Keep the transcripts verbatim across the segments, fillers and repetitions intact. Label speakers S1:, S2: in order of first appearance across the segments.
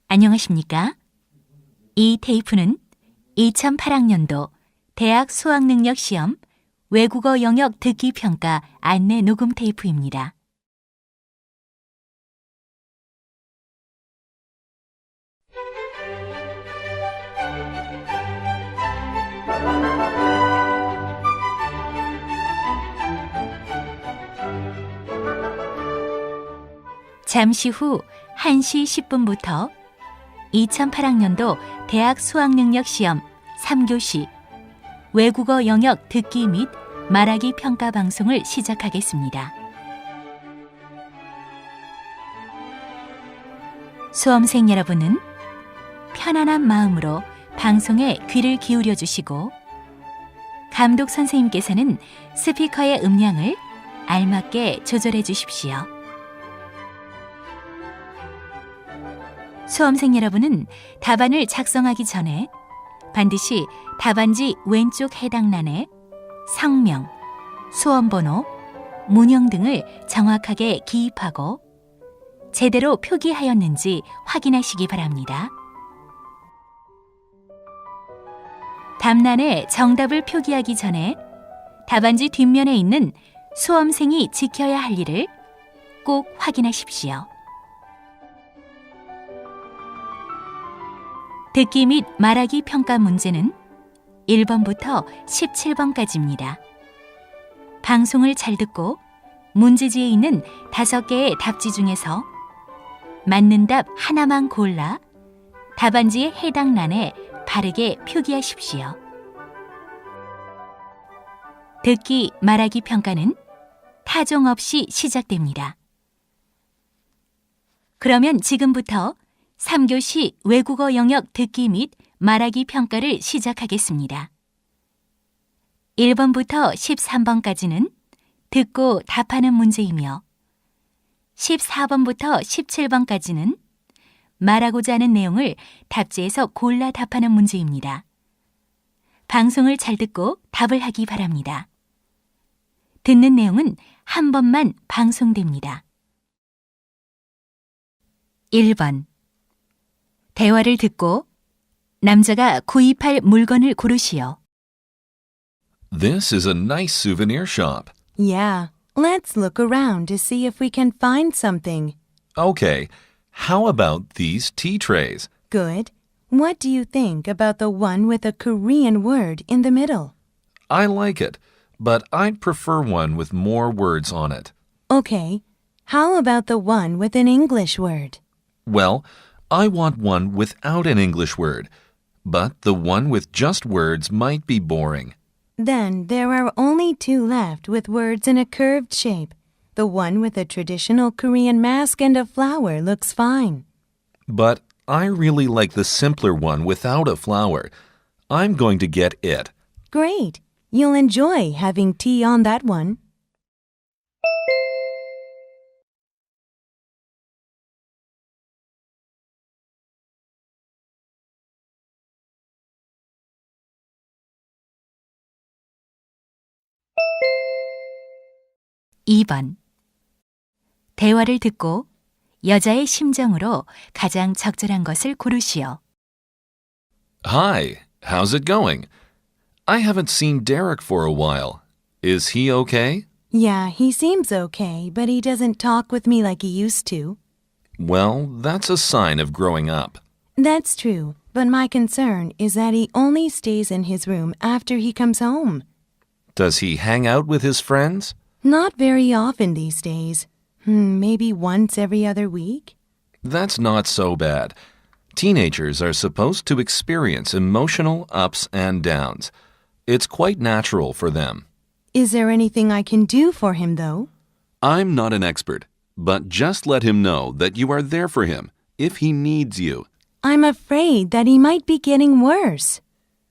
S1: 안녕하십니까? 이 테이프는 이천팔 학년도 대학 수학능력 시험 외국어 영역 듣기 평가 안내 녹음 테이프입니다. 잠시 후 한 시 십 분부터 이천팔 학년도 대학 수학능력 시험 삼 교시 외국어 영역 듣기 및 말하기 평가 방송을 시작하겠습니다. 수험생 여러분은 편안한 마음으로 방송에 귀를 기울여 주시고 감독 선생님께서는 스피커의 음량을 알맞게 조절해 주십시오. 수험생 여러분은 답안을 작성하기 전에 반드시 답안지 왼쪽 해당란에 성명, 수험번호, 문형 등을 정확하게 기입하고 제대로 표기하였는지 확인하시기 바랍니다. 답란에 정답을 표기하기 전에 답안지 뒷면에 있는 수험생이 지켜야 할 일을 꼭 확인하십시오. 듣기 및 말하기 평가 문제는 일 번부터 십칠 번까지입니다. 방송을 잘 듣고 문제지에 있는 다섯 개의 답지 중에서 맞는 답 하나만 골라 답안지의 해당 란에 바르게 표기하십시오. 듣기, 말하기 평가는 타종 없이 시작됩니다. 그러면 지금부터 삼 교시 외국어 영역 듣기 및 말하기 평가를 시작하겠습니다. 일 번부터 십삼 번까지는 듣고 답하는 문제이며 십사 번부터 십칠 번까지는 말하고자 하는 내용을 답지에서 골라 답하는 문제입니다. 방송을 잘 듣고 답을 하기 바랍니다. 듣는 내용은 한 번만 방송됩니다. 일 번. 대화를 듣고 남자가 구입할 물건을 고르시오.
S2: This is a nice souvenir shop.
S3: Yeah, let's look around to see if we can find something.
S2: Okay, how about these tea trays?
S3: Good. What do you think about the one with a Korean word in the middle?
S2: I like it, but I'd prefer one with more words on it.
S3: Okay. How about the one with an English word?
S2: Well, I want one without an English word, but the one with just words might be boring.
S3: Then there are only two left with words in a curved shape. The one with a traditional Korean mask and a flower looks fine.
S2: But I really like the simpler one without a flower. I'm going to get it.
S3: Great. You'll enjoy having tea on that one.
S1: 이 번. 대화를 듣고 여자의 심정으로 가장 적절한 것을 고르시오.
S2: Hi, how's it going? I haven't seen Derek for a while. Is he okay?
S3: Yeah, he seems okay, but he doesn't talk with me like he used to.
S2: Well, that's a sign of growing up.
S3: That's true, but my concern is that he only stays in his room after he comes home.
S2: Does he hang out with his friends?
S3: Not very often these days. Hmm, maybe once every other week?
S2: That's not so bad. Teenagers are supposed to experience emotional ups and downs. It's quite natural for them.
S3: Is there anything I can do for him, though?
S2: I'm not an expert, but just let him know that you are there for him if he needs you.
S3: I'm afraid that he might be getting worse.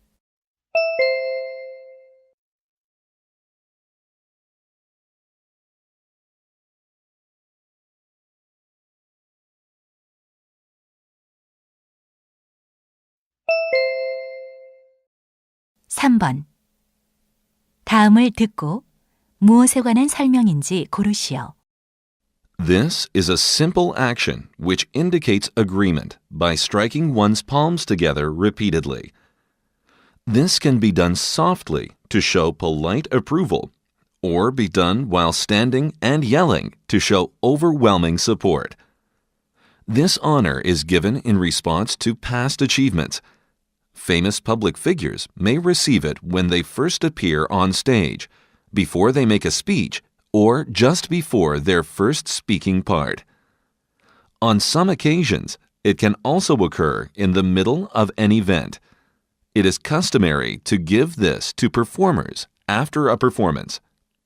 S1: 삼 번. 다음을 듣고 무엇에 관한 설명인지 고르시오.
S2: This is a simple action which indicates agreement by striking one's palms together repeatedly. This can be done softly to show polite approval, or be done while standing and yelling to show overwhelming support. This honor is given in response to past achievements. Famous public figures may receive it when they first appear on stage, before they make a speech, or just before their first speaking part. On some occasions, it can also occur in the middle of an event. It is customary to give this to performers after a performance.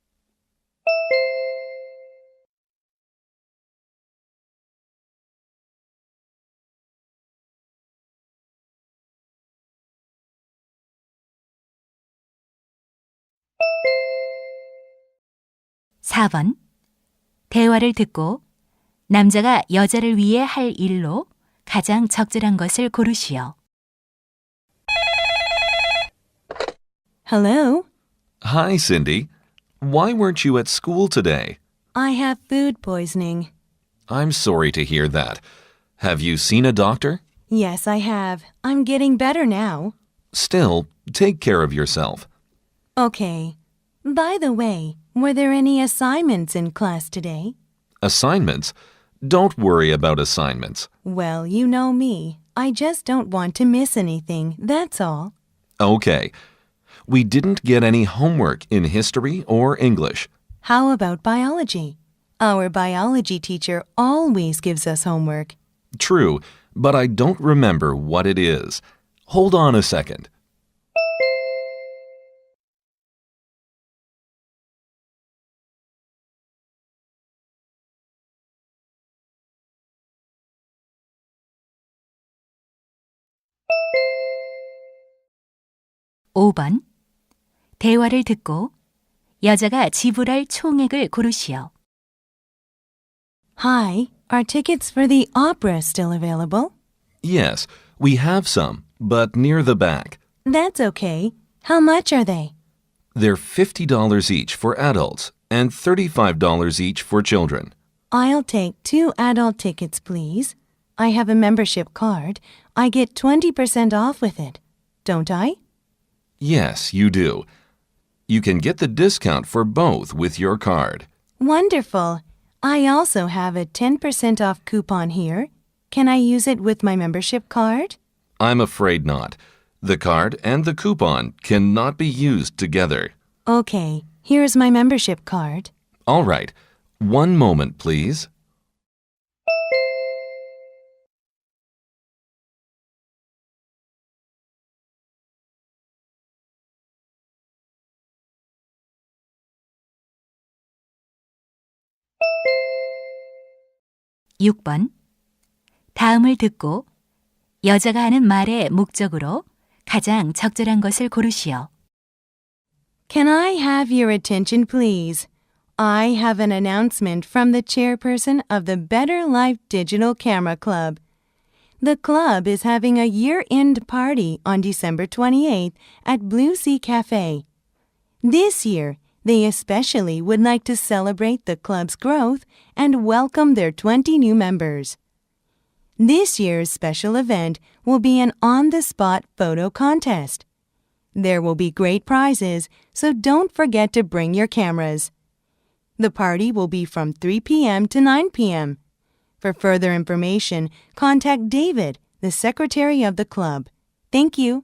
S1: 사 번. 대화를 듣고 남자가 여자를 위해 할 일로 가장 적절한 것을 고르시오.
S3: Hello?
S2: Hi, Cindy. Why weren't you at school today?
S3: I have food poisoning.
S2: I'm sorry to hear that. Have you seen a doctor?
S3: Yes, I have. I'm getting better now.
S2: Still, take care of yourself.
S3: Okay. By the way, were there any assignments in class today?
S2: Assignments? Don't worry about assignments.
S3: Well, you know me. I just don't want to miss anything, that's all.
S2: Okay. We didn't get any homework in history or English.
S3: How about biology? Our biology teacher always gives us homework.
S2: True, but I don't remember what it is. Hold on a second.
S1: 오 번. 대화를 듣고 여자가 지불할 총액을 고르시오.
S3: Hi, are tickets for the opera still available?
S2: Yes, we have some, but near the back.
S3: That's okay. How much are they?
S2: They're fifty dollars each for adults and thirty-five dollars each for children.
S3: I'll take two adult tickets, please. I have a membership card. I get twenty percent off with it. Don't I?
S2: Yes, you do. You can get the discount for both with your card.
S3: Wonderful. I also have a ten percent off coupon here. Can I use it with my membership card?
S2: I'm afraid not. The card and the coupon cannot be used together.
S3: Okay, here's my membership card.
S2: All right. One moment, please.
S1: 육 번. 다음을 듣고 여자가 하는 말의 목적으로 가장 적절한 것을 고르시오.
S3: Can I have your attention, please? I have an announcement from the chairperson of the Better Life Digital Camera Club. The club is having a year-end party on December twenty-eighth at Blue Sea Cafe. This year, they especially would like to celebrate the club's growth and welcome their twenty new members. This year's special event will be an on-the-spot photo contest. There will be great prizes, so don't forget to bring your cameras. The party will be from three p.m. to nine p.m. For further information, contact David, the secretary of the club. Thank you.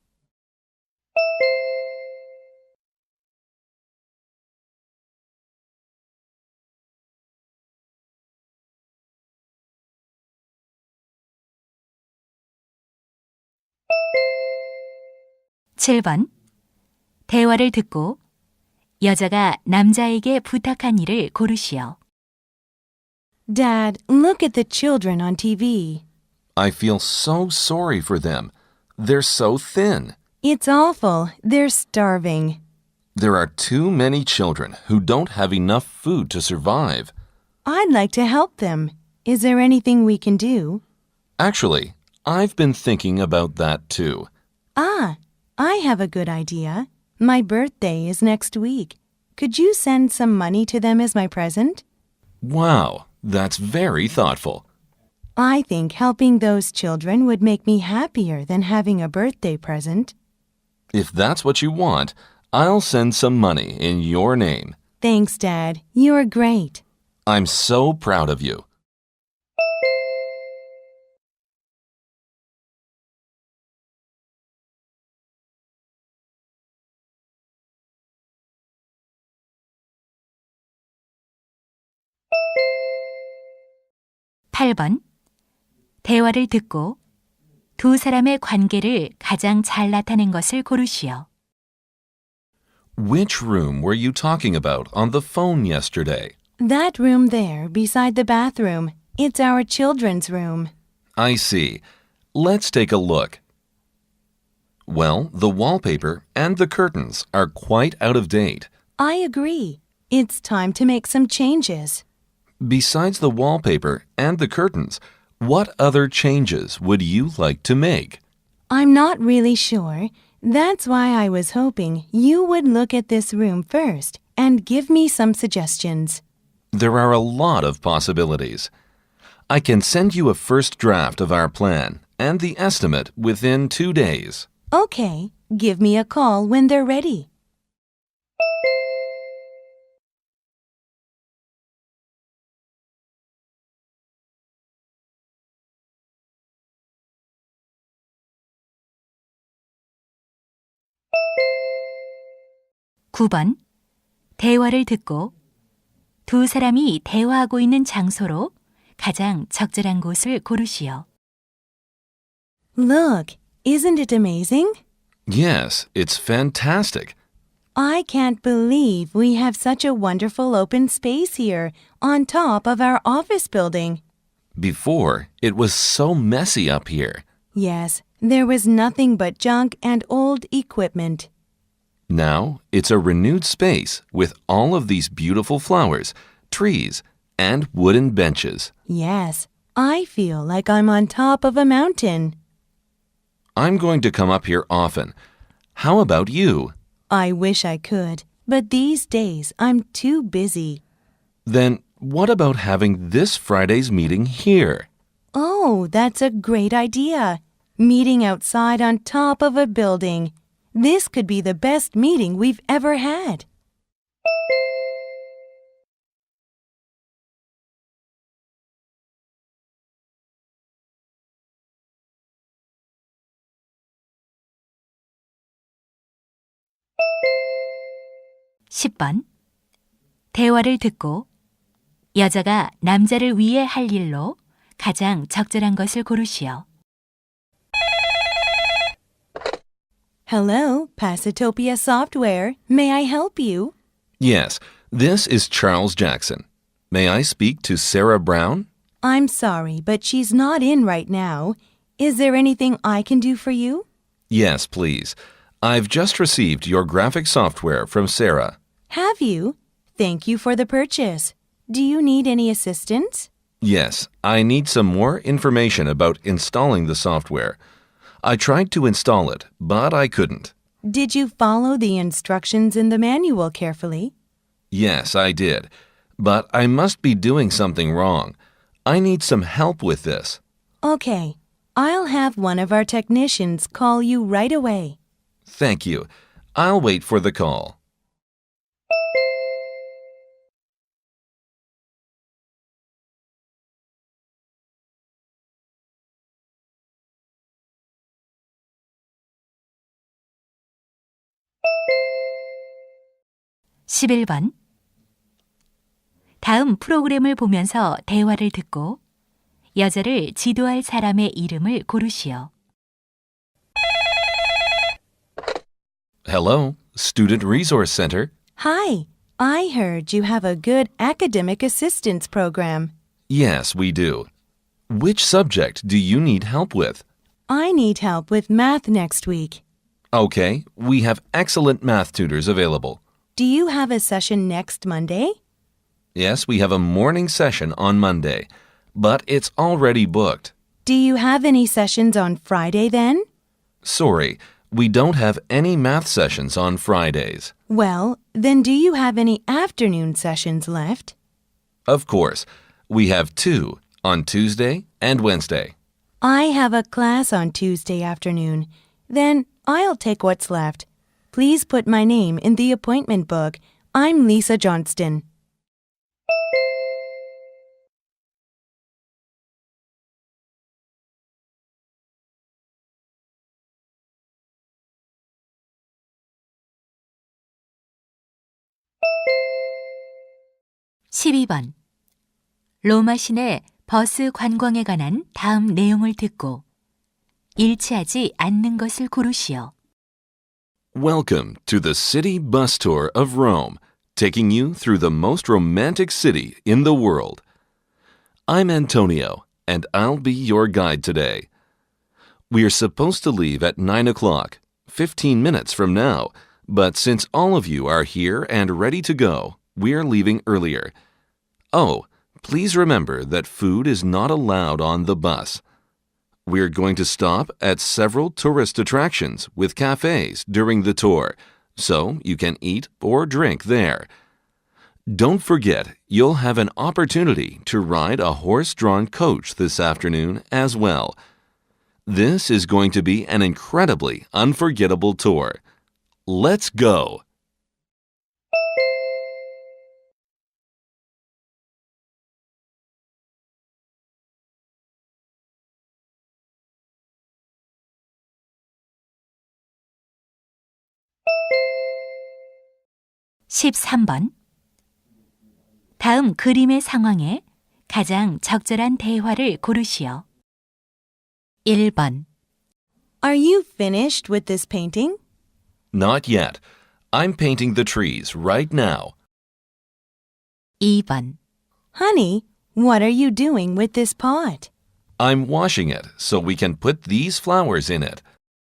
S1: 칠 번. 대화를 듣고 여자가 남자에게 부탁한 일을 고르시오.
S3: Dad, look at the children on T V.
S2: I feel so sorry for them. They're so thin.
S3: It's awful. They're starving.
S2: There are too many children who don't have enough food to survive.
S3: I'd like to help them. Is there anything we can do?
S2: Actually, I've been thinking about that too.
S3: Ah, I have a good idea. My birthday is next week. Could you send some money to them as my present?
S2: Wow, That's very thoughtful.
S3: I think helping those children would make me happier than having a birthday present.
S2: If that's what you want, I'll send some money in your name.
S3: Thanks, Dad. You're great.
S2: I'm so proud of you.
S1: 팔 번. 대화를 듣고 두 사람의 관계를 가장 잘 나타낸 것을 고르시오.
S2: Which room were you talking about on the phone yesterday?
S3: That room there beside the bathroom. It's our children's room.
S2: I see. Let's take a look. Well, the wallpaper and the curtains are quite out of date.
S3: I agree. It's time to make some changes.
S2: Besides the wallpaper and the curtains, what other changes would you like to make?
S3: I'm not really sure. That's why I was hoping you would look at this room first and give me some suggestions.
S2: There are a lot of possibilities. I can send you a first draft of our plan and the estimate within two days.
S3: Okay, give me a call when they're ready.
S1: 구 번. 대화를 듣고 두 사람이 대화하고 있는 장소로 가장 적절한 곳을 고르시오.
S3: Look, isn't it amazing?
S2: Yes, it's fantastic.
S3: I can't believe we have such a wonderful open space here on top of our office building.
S2: Before, it was so messy up here.
S3: Yes, there was nothing but junk and old equipment.
S2: Now, it's a renewed space with all of these beautiful flowers, trees, and wooden benches.
S3: Yes, I feel like I'm on top of a mountain.
S2: I'm going to come up here often. How about you?
S3: I wish I could, but these days I'm too busy.
S2: Then what about having this Friday's meeting here?
S3: Oh, that's a great idea. Meeting outside on top of a building. This could be the best meeting we've ever had.
S1: 십 번. 대화를 듣고 여자가 남자를 위해 할 일로 가장 적절한 것을 고르시오.
S3: Hello, Pasitopia Software. May I help you?
S2: Yes, this is Charles Jackson. May I speak to Sarah Brown?
S3: I'm sorry, but she's not in right now. Is there anything I can do for you?
S2: Yes, please. I've just received your graphic software from Sarah.
S3: Have you? Thank you for the purchase. Do you need any assistance?
S2: Yes, I need some more information about installing the software. I tried to install it, but I couldn't.
S3: Did you follow the instructions in the manual carefully?
S2: Yes, I did. But I must be doing something wrong. I need some help with this.
S3: Okay, I'll have one of our technicians call you right away.
S2: Thank you. I'll wait for the call.
S1: 십일 번. 다음 프로그램을 보면서 대화를 듣고 여자를 지도할 사람의 이름을 고르시오.
S2: Hello, Student Resource Center.
S3: Hi, I heard you have a good academic assistance program.
S2: Yes, we do. Which subject do you need help with?
S3: I need help with math next week.
S2: Okay, we have excellent math tutors available.
S3: Do you have a session next Monday?
S2: Yes, we have a morning session on Monday, but it's already booked.
S3: Do you have any sessions on Friday then?
S2: Sorry, we don't have any math sessions on Fridays.
S3: Well, then do you have any afternoon sessions left?
S2: Of course, We have two on Tuesday and Wednesday.
S3: I have a class on Tuesday afternoon. Then I'll take what's left. Please put my name in the appointment book. I'm Lisa Johnston.
S1: 십이 번. 로마 시내 버스 관광에 관한 다음 내용을 듣고 일치하지 않는 것을 고르시오.
S2: Welcome to the city bus tour of Rome, taking you through the most romantic city in the world. I'm Antonio, and I'll be your guide today. We are supposed to leave at nine o'clock, fifteen minutes from now, but since all of you are here and ready to go, we are leaving earlier. Oh, please remember that food is not allowed on the bus. We're going to stop at several tourist attractions with cafes during the tour, so you can eat or drink there. Don't forget, you'll have an opportunity to ride a horse-drawn coach this afternoon as well. This is going to be an incredibly unforgettable tour. Let's go!
S1: 십삼 번. 다음 그림의 상황에 가장 적절한 대화를 고르시오. 일 번.
S3: Are you finished with this painting?
S2: Not yet. I'm painting the trees right now.
S1: 이 번.
S3: Honey, what are you doing with this pot?
S2: I'm washing it so we can put these flowers in it.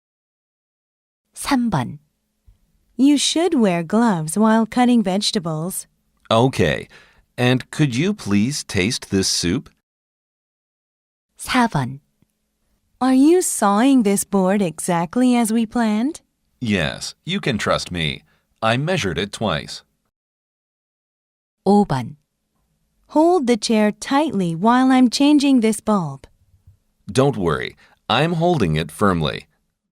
S1: 삼 번.
S3: You should wear gloves while cutting vegetables.
S2: Okay. And could you please taste this soup?
S1: 사 번.
S3: Are you sawing this board exactly as we planned?
S2: Yes, you can trust me. I measured it twice.
S1: 오 번.
S3: Hold the chair tightly while I'm changing this bulb.
S2: Don't worry. I'm holding it firmly.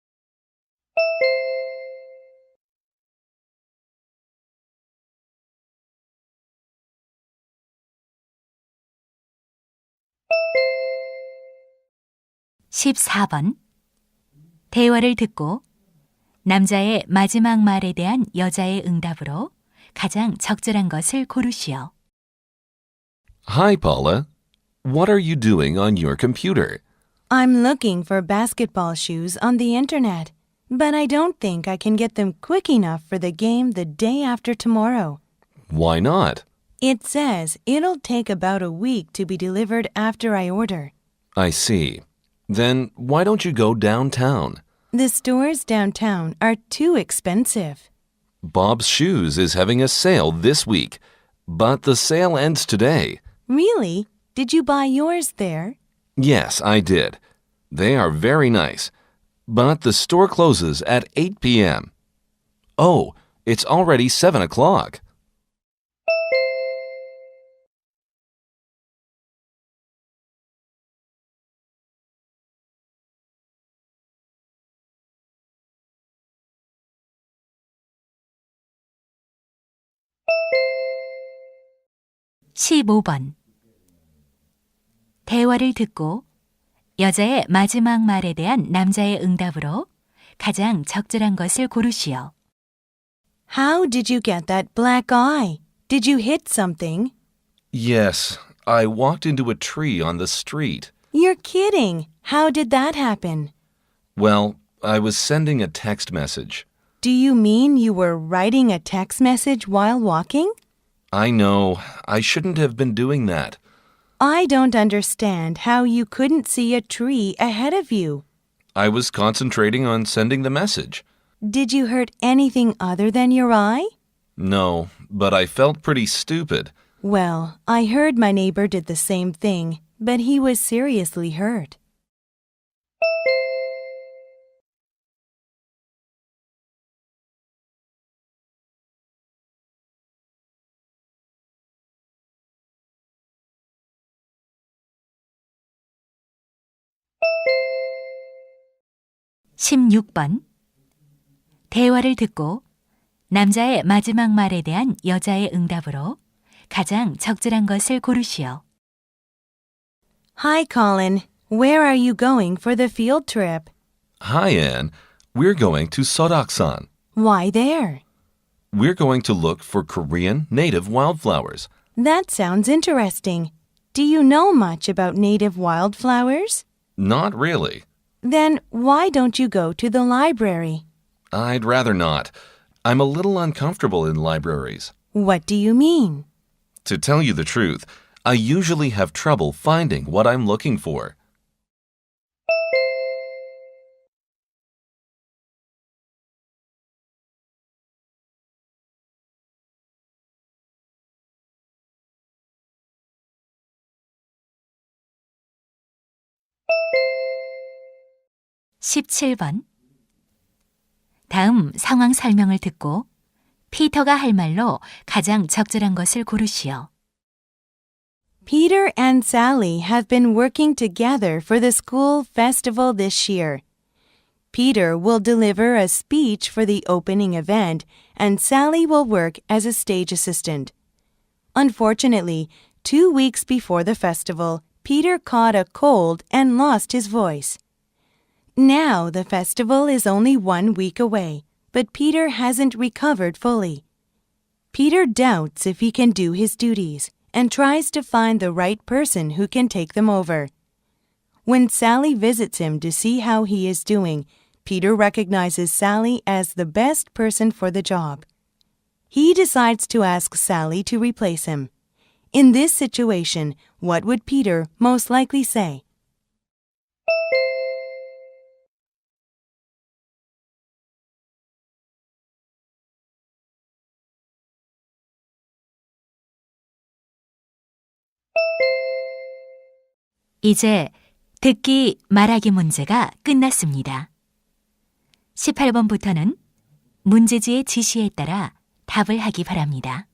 S1: 십사 번. 대화를 듣고 남자의 마지막 말에 대한 여자의 응답으로 가장 적절한 것을 고르시오.
S2: Hi, Paula. What are you doing on your computer?
S3: I'm looking for basketball shoes on the internet, but I don't think I can get them quick enough for the game the day after tomorrow.
S2: Why not?
S3: It says it'll take about a week to be delivered after I order.
S2: I see. Then why don't you go downtown?
S3: The stores downtown are too expensive.
S2: Bob's Shoes is having a sale this week, but the sale ends today.
S3: Really? Did you buy yours there?
S2: Yes, I did. They are very nice, but the store closes at eight p.m. Oh, it's already seven o'clock.
S1: 십오 번. 대화를 듣고 여자의 마지막 말에 대한 남자의 응답으로 가장 적절한 것을 고르시오.
S3: How did you get that black eye? Did you hit something?
S2: Yes, I walked into a tree on the street.
S3: You're kidding. How did that happen?
S2: Well, I was sending a text message.
S3: Do you mean you were writing a text message while walking?
S2: I know, I shouldn't have been doing that.
S3: I don't understand how you couldn't see a tree ahead of you.
S2: I was concentrating on sending the message.
S3: Did you hurt anything other than your eye?
S2: No, but I felt pretty stupid.
S3: Well, I heard my neighbor did the same thing, but he was seriously hurt.
S1: 십육 번. 대화를 듣고 남자의 마지막 말에 대한 여자의 응답으로 가장 적절한 것을 고르시오.
S3: Hi, Colin. Where are you going for the field trip?
S2: Hi, Anne. We're going to Sodoksan.
S3: Why there?
S2: We're going to look for Korean native wildflowers.
S3: That sounds interesting. Do you know much about native wildflowers?
S2: Not really.
S3: Then why don't you go to the library?
S2: I'd rather not. I'm a little uncomfortable in libraries.
S3: What do you mean?
S2: To tell you the truth, I usually have trouble finding what I'm looking for.
S1: 십칠 번. 다음 상황 설명을 듣고 피터가 할 말로 가장 적절한 것을 고르시오.
S3: Peter and Sally have been working together for the school festival this year. Peter will deliver a speech for the opening event, and Sally will work as a stage assistant. Unfortunately, two weeks before the festival, Peter caught a cold and lost his voice. Now the festival is only one week away, but Peter hasn't recovered fully. Peter doubts if he can do his duties and tries to find the right person who can take them over. When Sally visits him to see how he is doing, Peter recognizes Sally as the best person for the job. He decides to ask Sally to replace him. In this situation, what would Peter most likely say?
S1: 이제 듣기 말하기 문제가 끝났습니다. 십팔 번부터는 문제지의 지시에 따라 답을 하기 바랍니다.